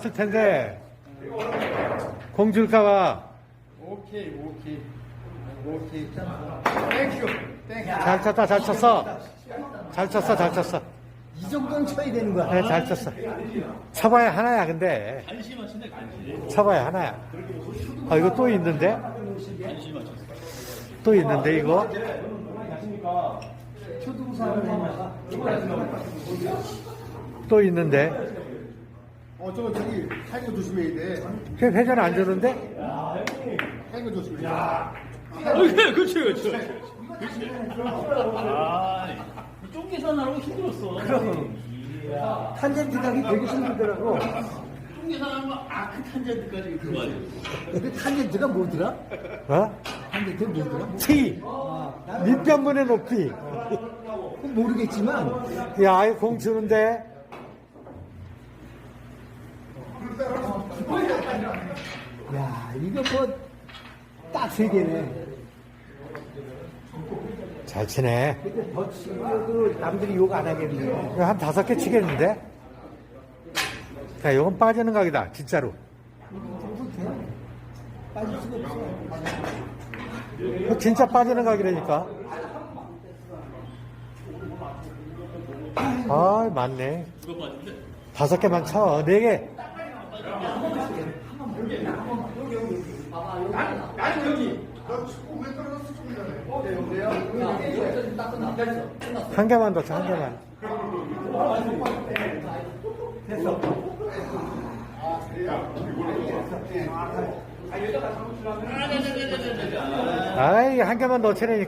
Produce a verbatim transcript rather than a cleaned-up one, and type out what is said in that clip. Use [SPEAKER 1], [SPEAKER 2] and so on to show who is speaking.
[SPEAKER 1] 왔을 텐데 공 줄까봐.
[SPEAKER 2] 오케이, 오케이. 오케이. 땡큐. 땡큐.
[SPEAKER 1] 잘 쳤다, 잘 쳤어. 잘 쳤어, 잘 쳤어.
[SPEAKER 3] 이 정도는 쳐야 되는 거야.
[SPEAKER 1] 그래, 잘 쳤어. 쳐봐야 하나야, 근데.
[SPEAKER 4] 간신히 치네, 간신히.
[SPEAKER 1] 쳐봐야 하나야. 아, 이거 또 있는데?
[SPEAKER 4] 간신히 맞췄어.
[SPEAKER 1] 또 있는데, 이거? 또 있는데?
[SPEAKER 2] 어, 저거 저기 타이거 조심해야 돼.
[SPEAKER 1] 회, 회전 안 주는데?
[SPEAKER 2] 타이거 조심해.
[SPEAKER 4] 오케이, 그렇지, 그렇지. 그렇지. 아, 쫑 계산하라고 힘들었어. 그럼.
[SPEAKER 3] 탄젠트 가기 되게 힘들더라고.
[SPEAKER 4] 쫑 계산하면 아크 탄젠트까지 그거 아니야.
[SPEAKER 3] 근데 탄젠트가 뭐더라?
[SPEAKER 1] 어?
[SPEAKER 3] 탄젠트 뭐더라?
[SPEAKER 1] T. 밑변문의 높이.
[SPEAKER 3] 모르겠지만
[SPEAKER 1] 야, 아이, 공 주는데?
[SPEAKER 3] 야 이거 뭐 딱 세 개네.
[SPEAKER 1] 잘 치네.
[SPEAKER 3] 근데 더 치려도 남들이 욕 안 하겠네.
[SPEAKER 1] 이거 한 다섯 개 치겠는데? 자, 이건 빠지는 각이다, 진짜로.
[SPEAKER 3] 빠질 수가 없어.
[SPEAKER 1] 이거 진짜 빠지는 각이라니까. 아, 맞네.
[SPEAKER 4] 누가 빠진대?
[SPEAKER 1] 다섯 개만 쳐. 네 개.
[SPEAKER 2] 나는 여기. 너 축구 왜 떨어졌어, 조금 전에? 어, 네, 여보세요?
[SPEAKER 1] 한 개만 더 쳐, 한 개만. 아이, 한 개만 더 치라니까.